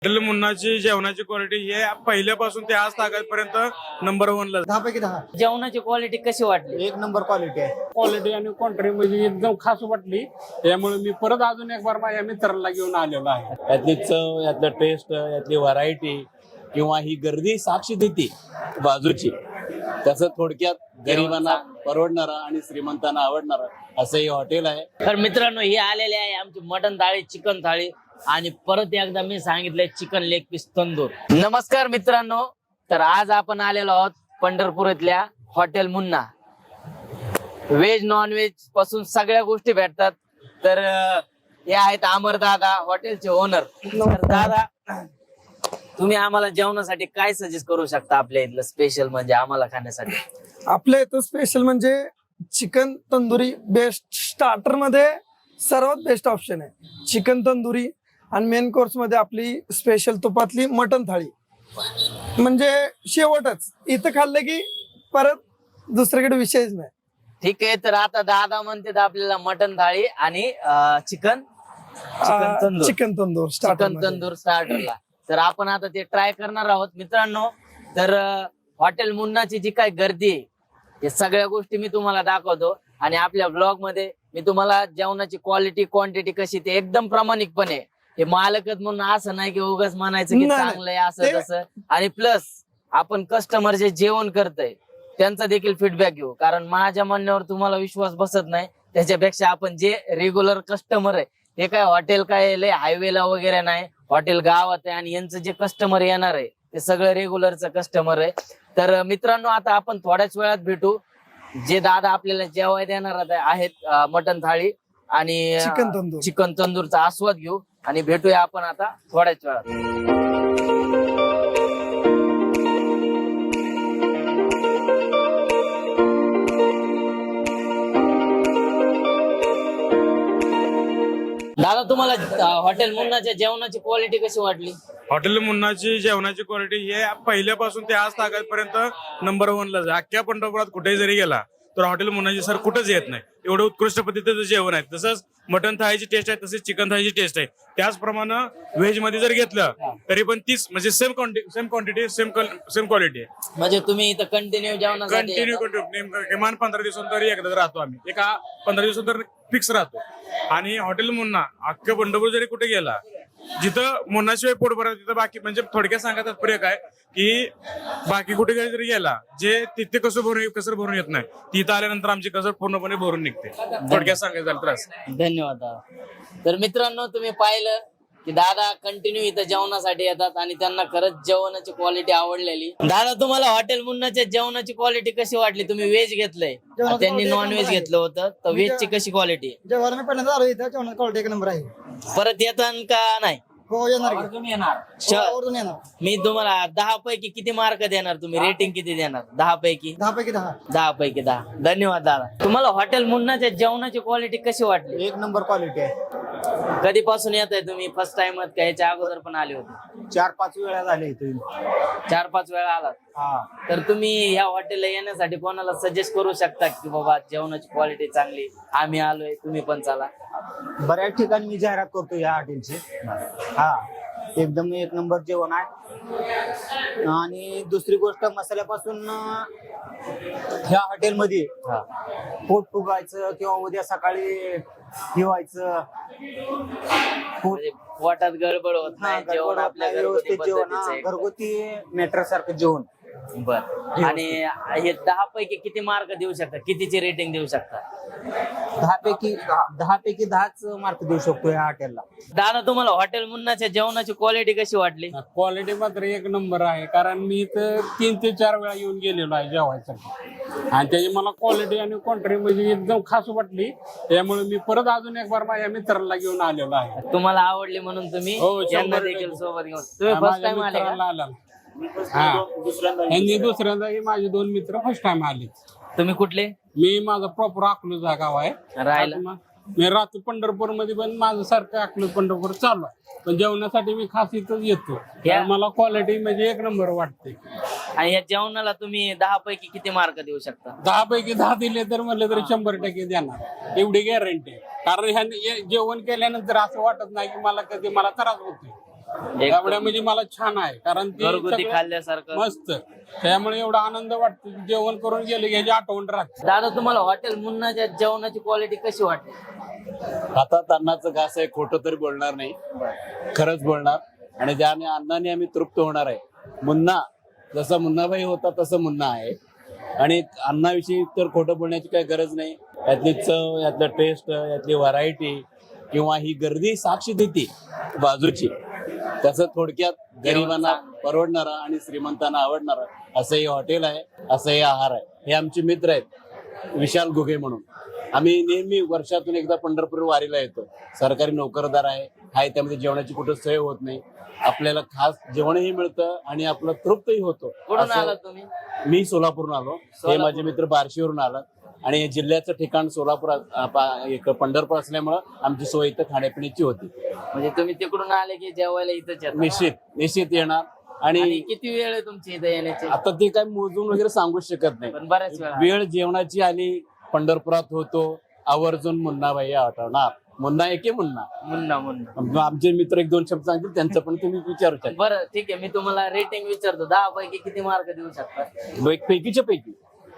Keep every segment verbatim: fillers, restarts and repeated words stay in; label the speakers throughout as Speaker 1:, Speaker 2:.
Speaker 1: Hotel मुन्नाची जेवणाची quality हे पहिल्यापासून ते आज तागापर्यंत नंबर वनला
Speaker 2: दहा पैकी दहा.
Speaker 3: जेवणाची क्वालिटी कशी वाटली?
Speaker 2: एक नंबर क्वालिटी आहे.
Speaker 4: क्वालिटी आणि क्वांटिटी म्हणजे एकदम खास वाटली. त्यामुळे मी परत अजून एक बार माझ्या मित्राला घेऊन आलेलो आहे.
Speaker 5: यातली चव, यातलं टेस्ट, यातली व्हरायटी किंवा ही गर्दी साक्ष देते बाजूची. तसं थोडक्यात गरिबांना परवडणारा आणि श्रीमंतांना आवडणारा असं हे हॉटेल आहे.
Speaker 3: तर मित्रांनो, हे आलेले आहे आमची मटन थाळी, चिकन थाळी आणि परत एकदा मी सांगितलंय चिकन लेग पीस तंदूर. नमस्कार मित्रांनो, तर आज आपण आलेलो आहोत पंढरपूरातल्या hotel Munna. Veg non veg पासून सगळ्या गोष्टी भेटतात. तर हे आहेत अमर दादा, हॉटेलचे ओनर. तर दादा, तुम्ही आम्हाला जेवणासाठी काय सजेस्ट करू शकता आपल्या इथलं स्पेशल म्हणजे आम्हाला खाण्यासाठी?
Speaker 6: आपल्या इथं स्पेशल म्हणजे चिकन तंदुरी बेस्ट. स्टार्टर मध्ये सर्वात बेस्ट ऑप्शन आहे चिकन तंदुरी आणि मेन कोर्स मध्ये आपली स्पेशल तुपातली मटन थाळी. म्हणजे शेवटच इथं खाल्लं की परत दुसरीकडे विषयच नाही.
Speaker 3: ठीक आहे, तर आता दादा म्हणते आपल्याला मटन थाळी आणि chicken chicken tandoor
Speaker 6: chicken tandoor
Speaker 3: chicken tandoor स्टार्टरला. तर आपण आता ते ट्राय करणार आहोत मित्रांनो. तर हॉटेल मुन्नाची जी काय गर्दी आहे हे सगळ्या गोष्टी मी तुम्हाला दाखवतो आणि आपल्या ब्लॉग मध्ये मी तुम्हाला जेवणाची क्वालिटी क्वांटिटी कशी ते एकदम प्रामाणिकपणे, हे मालकच म्हणून असं नाही की उगाच म्हणायचं की चांगलं आहे असं तसं. आणि प्लस आपण कस्टमर जे जेवण करतय त्यांचा देखील फीडबॅक घेऊ, कारण माझ्या म्हणण्यावर तुम्हाला विश्वास बसत नाही. त्याच्यापेक्षा आपण जे रेग्युलर कस्टमर आहे हे काय हॉटेल काय लय हायवेला वगैरे नाही, हॉटेल गावात आहे आणि यांचं जे कस्टमर येणार आहे ते सगळं रेग्युलरचं कस्टमर आहे. तर मित्रांनो, आता आपण थोड्याच वेळात भेटू. जे दादा आपल्याला जेवाय देणार आहेत मटन थाळी आणि
Speaker 6: चिकन तंदूर
Speaker 3: चिकन तंदूरचा आस्वाद घेऊ आणि भेटूया आपण आता थोड्याच वेळात. दादा, तुम्हाला हॉटेल मुन्नाच्या जेवणाची क्वालिटी कशी वाटली?
Speaker 1: हॉटेल मुन्नाची जेवणाची क्वालिटी हे पहिल्यापासून ते आज तागापर्यंत नंबर वनलाच आहे. अख्ख्या पंढरपुरात कुठेही जरी गेला तर हॉटेल मुन्नाची सर कुठंच येत नाही. एवढं उत्कृष्ट पद्धतीचं जेवण आहे. तसंच मटन थाळीची टेस्ट आहे, तसेच चिकन थाळीची टेस्ट आहे. त्याचप्रमाणे व्हेज मध्ये जर घेतलं तरी पण तीच म्हणजे same quantity same quantity same same quality आहे.
Speaker 3: म्हणजे तुम्ही इथं कंटिन्यू जेवणासाठी
Speaker 1: कंटिन्यू कंटिन्यू किमान पंधरा दिवसांत तरी एकदा राहतो आम्ही. एका पंधरा दिवसांत तर फिक्स राहतो. आणि हॉटेल मुन्ना अख्खं पंढरपूर जरी कुठे गेला, जिथं मुन्नाशिवाय पोट भरत तिथं बाकी म्हणजे थोडक्यात सांगायचं तात्पर्य काय की बाकी कुठे जरी गेला जे तिथे कसं भरून कसं भरून येत नाही, तिथं आल्यानंतर आमची कसर पूर्णपणे भरून निघते. थोडक्यात सांगायचं झालं त्रास.
Speaker 3: धन्यवाद दादा. तर मित्रांनो, तुम्ही पाहिलं की दादा कंटिन्यू इथं जेवणासाठी येतात आणि त्यांना खरंच जेवणाची क्वालिटी आवडलेली. दादा, तुम्हाला हॉटेल मुन्नाच्या जेवणाची क्वालिटी कशी वाटली? तुम्ही व्हेज घेतलंय, त्यांनी नॉन व्हेज घेतलं होतं, तर व्हेजची कशी क्वालिटी?
Speaker 2: जेव्हा मी पहिल्यांदा आलो इथं जेवणाची क्वालिटी एक नंबर आहे.
Speaker 3: परत येतात का नाही?
Speaker 2: हो, येणार की.
Speaker 3: श-
Speaker 2: आवर्जून येणार.
Speaker 3: मी तुम्हाला दहा पैकी किती मार्क देणार? तुम्ही रेटिंग किती देणार? दहा पैकी
Speaker 2: दहा पैकी दहा.
Speaker 3: दहा पैकी दहा. धन्यवाद दादा. तुम्हाला हॉटेल मुन्नाच्या जेवणाची क्वालिटी कशी वाटली?
Speaker 2: एक नंबर क्वालिटी आहे.
Speaker 3: कधीपासून येत आहे तुम्ही? फर्स्ट टाइम का याच्या अगोदर पण आले होते?
Speaker 2: चार पाच वेळा झाले इथे.
Speaker 3: चार पाच वेळा आलात.
Speaker 2: हा.
Speaker 3: तर तुम्ही या हॉटेलला येण्यासाठी कोणाला सजेस्ट करू शकता की बाबा जेवणाची क्वालिटी चांगली, आम्ही आलोय, तुम्ही पण चला?
Speaker 2: बऱ्याच ठिकाणी मी जाहिरात करतो या हॉटेलची. हा, एकदम एक नंबर जेवण आहे. आणि दुसरी गोष्ट, मसाल्यापासून ह्या हॉटेलमध्ये पोट फुगायचं किंवा उद्या सकाळी ठेवायचं
Speaker 3: म्हणजे पोटात गडबड होत नाही, जेवण आपल्या घरगुती
Speaker 2: व्यवस्थित जेवण,
Speaker 3: पद्धतीचं आहे.
Speaker 2: घरगुती मेट्रो सारखं जेवण.
Speaker 3: बर. आणि हे दहा पैकी किती मार्क देऊ शकता? कितीची रेटिंग देऊ शकता?
Speaker 2: दहा पैकी दहा पैकी दहाच मार्क देऊ शकतो या हॉटेलला.
Speaker 3: दादा, तुम्हाला हॉटेल मुन्नाच्या जेवणाची क्वालिटी कशी वाटली?
Speaker 4: क्वालिटी मात्र एक नंबर आहे. कारण मी इथं तीन ते चार वेळा येऊन गेलेलो आहे जेवायसाठी आणि त्याची मला क्वालिटी आणि क्वांटिटी म्हणजे एकदम खास वाटली. त्यामुळे मी परत अजून एक बार माझ्या मित्राला घेऊन आलेलो आहे.
Speaker 3: तुम्हाला आवडली म्हणून तुम्ही
Speaker 4: हो, शंभर
Speaker 3: यांना
Speaker 4: टक्के.
Speaker 3: देखील सोबत घेऊन तुम्ही फर्स्ट
Speaker 4: माझ्या
Speaker 3: टाइम आले का?
Speaker 4: मित्राला आला. हा, यांनी दुसऱ्यांदा माझे दोन मित्र फर्स्ट टाइम आले.
Speaker 3: तुम्ही कुठले?
Speaker 4: मी माझा प्रॉपर अकलूजा गाव आहे.
Speaker 3: राहायला?
Speaker 4: मी राहतो पंढरपूर मध्ये, पण माझं सारखं अकलूज पंढरपूर चालू आहे. पण जेवणासाठी मी खास इथंच येतो.
Speaker 3: या-
Speaker 4: मला क्वालिटी म्हणजे एक नंबर वाटते.
Speaker 3: आणि या जेवणाला तुम्ही दहा पैकी किती मार्क देऊ शकता?
Speaker 4: दहा पैकी दहा दिले तर म्हणलं तरी शंभर टक्के देणार, एवढी गॅरंटी आहे. कारण ह्या जेवण केल्यानंतर असं वाटत नाही की मला कधी मला त्रास होतोय. त्यामुळे म्हणजे मला छान आहे कारण ती
Speaker 3: घरगुती
Speaker 4: सगळं
Speaker 3: खाल्ल्यासारखं.
Speaker 4: मस्त. त्यामुळे एवढा आनंद वाटतो की जेवण करून गेले की याची आठवण राहते.
Speaker 3: दादा तुम्हाला हॉटेल मुन्नाच्या जेवणाची क्वालिटी कशी वाटते?
Speaker 5: हातात अन्नाचं घास आहे, खोटं तरी बोलणार नाही, खरंच बोलणार. आणि ज्याने अन्नाने आम्ही तृप्त होणार आहे. मुन्ना जसा मुन्नाबाई होता तसं मुन्ना आहे. आणि अन्नाविषयी तर खोटं बोलण्याची काही गरज नाही. यातली चव, यातलं टेस्ट, यातली व्हरायटी किंवा ही गर्दी साक्ष देते बाजूची. तसं थोडक्यात गरिबांना परवडणारा आणि श्रीमंतांना आवडणारा असं हे हॉटेल आहे, असं हे आहार आहे. हे आमचे मित्र आहेत विशाल घुगे म्हणून. आम्ही नेहमी वर्षातून एकदा पंढरपूर वारीला येतो. सरकारी नोकरदार आहे, हाय त्यामध्ये जेवणाची कुठं सोय होत नाही. आपल्याला खास जेवणही मिळतं आणि आपलं तृप्तही होतो.
Speaker 3: कुठून
Speaker 5: असं-
Speaker 3: आला तुम्ही?
Speaker 5: मी सोलापूरहून आलो. हे माझे मित्र बार्शीवरून आलात. आणि हे जिल्ह्याचं ठिकाण सोलापूर आ- पा- एक पंढरपूर असल्यामुळं आमची सोय इथं खाण्यापिण्याची होती.
Speaker 3: म्हणजे तुम्ही तिकडून आले की जेवायला इथंच येता?
Speaker 5: निश्चित निश्चित येणार.
Speaker 3: आणि
Speaker 5: आणि
Speaker 3: किती वेळ आहे तुमची इथं येण्याची?
Speaker 5: आता ते काय मोजून वगैरे सांगू शकत नाही.
Speaker 3: पण बऱ्याच वेळा
Speaker 5: वेळ जेवणाची आली, पंढरपुरात होतो, आवर्जून मुन्नाबाई आठवणार. मुन्ना आहे की मुन्ना?
Speaker 3: मुन्ना मुन्ना.
Speaker 5: आमचे मित्र एक दोन शब्द सांगतील, त्यांचं पण तुम्ही विचारू शकता.
Speaker 3: बरं ठीक आहे, मी तुम्हाला रेटिंग विचारतो. दहा पैकी किती मार्क देऊ शकता?
Speaker 5: एक पैकीच्या पैकी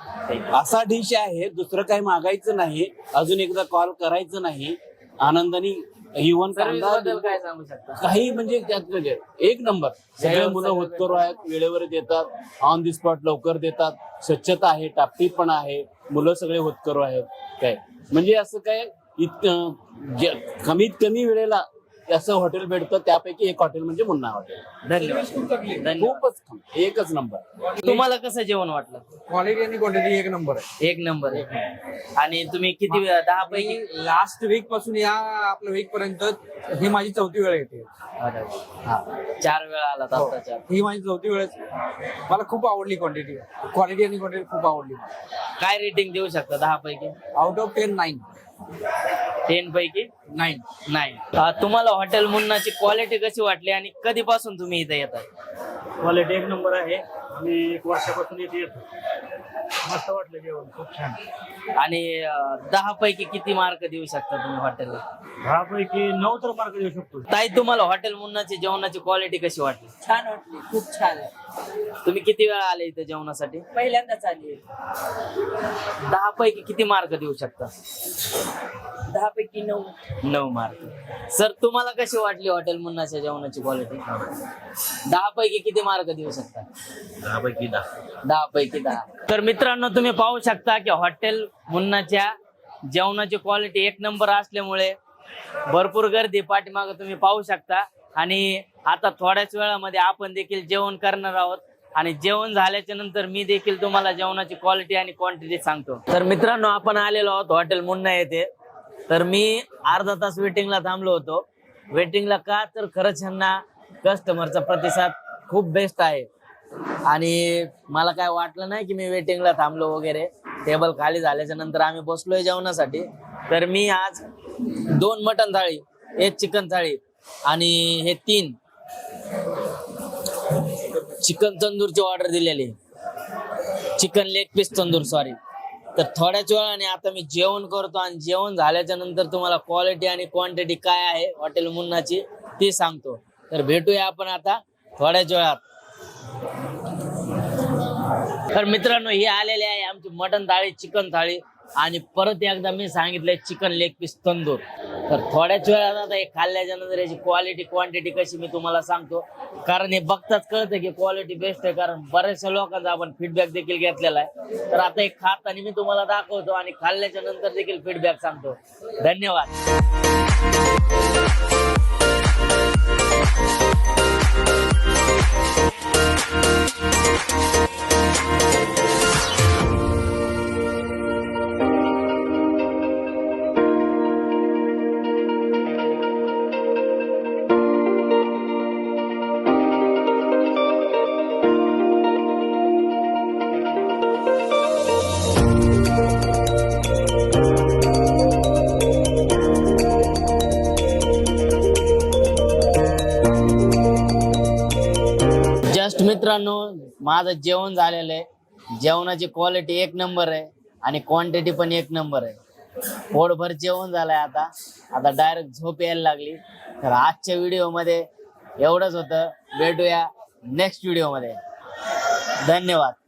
Speaker 5: असा डिश आहे, दुसरं काही मागायचं नाही, अजून एकदा कॉल करायचं नाही, आनंदाने इव्हन
Speaker 3: सर्व्हिस
Speaker 5: कांदा
Speaker 3: बद्दल काय सांगू शकता?
Speaker 5: काही म्हणजे त्यात म्हणजे एक नंबर. सगळे मुलं होतकरू आहेत, वेळेवर देतात, ऑन दी स्पॉट लवकर देतात, स्वच्छता आहे, टापटीपणा आहे, मुलं सगळे होतकरू आहेत. काय म्हणजे असं काय इतकं जे- कमीत कमी वेळेला असं हॉटेल भेटतं, त्यापैकी एक हॉटेल म्हणजे मुन्ना हॉटेल.
Speaker 3: धन्यवाद धन्यवाद.
Speaker 5: खूपच कमी, एकच नंबर.
Speaker 3: तुम्हाला कसं जेवण वाटलं?
Speaker 7: क्वालिटी आणि क्वांटिटी एक नंबर आहे.
Speaker 3: एक नंबर एक नंबर. आणि तुम्ही किती वेळा? दहा पैकी?
Speaker 7: लास्ट वीक पासून या आपल्या वीक पर्यंत ही माझी चौथी वेळ येते.
Speaker 3: अरे वा. हा. चार वेळा आला आता चार.
Speaker 7: ही माझी चौथी वेळ मला खूप आवडली क्वांटिटी क्वालिटी आणि क्वांटिटी खूप आवडली.
Speaker 3: काय रेटिंग देऊ शकता दहा पैकी?
Speaker 7: Out of ten nine
Speaker 3: ten पैकी
Speaker 7: नाईन
Speaker 3: नाही. तुम्हाला हॉटेल मुन्नाची क्वालिटी कशी वाटली आणि कधीपासून तुम्ही इथे येतात?
Speaker 8: क्वालिटी एक नंबर आहे. मी एक वर्षापासून इथे येतो. मस्त वाटलं जेवण, खूप छान.
Speaker 3: आणि अं, दहा पैकी किती मार्क देऊ शकता तुम्ही हॉटेलला?
Speaker 8: दहा पैकी नऊ तर मार्क देऊ शकतो.
Speaker 3: ताई तुम्हाला हॉटेल मुन्नाची जेवणाची क्वालिटी कशी वाटली?
Speaker 9: छान वाटली, खूप छान आहे.
Speaker 3: तुम्ही किती वेळा आले इथे जेवणासाठी?
Speaker 9: पहिल्यांदाच आली.
Speaker 3: दहा पैकी किती मार्क देऊ शकता?
Speaker 9: दहा पैकी नऊ.
Speaker 3: नऊ मार्क. सर तुम्हाला कशी वाटली हॉटेल मुन्नाच्या जेवणाची क्वालिटी? दहा पैकी किती मार्क देऊ शकता?
Speaker 8: दहा पैकी दहा.
Speaker 3: दहा पैकी दहा. तर मित्रांनो तुम्ही पाहू शकता की हॉटेल मुन्नाच्या जेवणाची क्वालिटी एक नंबर असल्यामुळे भरपूर गर्दी पाठीमागे तुम्ही पाहू शकता. आणि आता थोड्याच वेळामध्ये आपण देखील जेवण करणार आहोत. आणि जेवण झाल्याच्या नंतर मी देखील तुम्हाला जेवणाची क्वालिटी आणि क्वांटिटी सांगतो. तर मित्रांनो आपण आलेलो आहोत हॉटेल मुन्ना येथे. तर मी अर्धा तास वेटिंगला थांबलो होतो. वेटिंगला का तर खरंच ह्यांना कस्टमरचा प्रतिसाद खूप बेस्ट आहे. आणि मला काय वाटलं नाही की मी वेटिंगला थांबलो वगैरे. टेबल खाली झाल्याच्या नंतर आम्ही बसलोय जेवणासाठी. तर मी आज दोन मटण थाळी, एक चिकन थाळी आणि हे तीन चिकन तंदूरची ऑर्डर दिलेली. Chicken leg piece tandoor sorry. तर थोड्याच वेळाने आता मी जेवण करतो आणि जेवण झाल्याच्या नंतर तुम्हाला क्वालिटी आणि क्वांटिटी काय आहे हॉटेल मुन्नाची ती सांगतो. तर भेटूया आपण आता थोड्याच वेळात. तर मित्रांनो ही आलेली आहे आमची मटण थाळी, चिकन थाळी आणि परत एकदा मी सांगितलंय चिकन लेग पीस तंदूर. तर थोड्याच वेळात आता हे खाल्ल्याच्या नंतर याची क्वालिटी क्वांटिटी कशी मी तुम्हाला सांगतो. कारण हे बघताच कळतं की क्वालिटी बेस्ट आहे. कारण बऱ्याचशा लोकांचा आपण फीडबॅक देखील घेतलेला आहे. तर आता हे खाताना मी तुम्हाला दाखवतो आणि खाल्ल्याच्या नंतर देखील फीडबॅक सांगतो. धन्यवाद. जस्ट मित्रांनो माझं जेवण झालेलं आहे. जेवणाची क्वालिटी एक नंबर आहे आणि क्वांटिटी पण एक नंबर आहे. पोटभर जेवण झालंय. आता आता डायरेक्ट झोप यायला लागली. तर आजच्या व्हिडिओमध्ये एवढंच होतं. भेटूया नेक्स्ट व्हिडिओ मध्ये. धन्यवाद.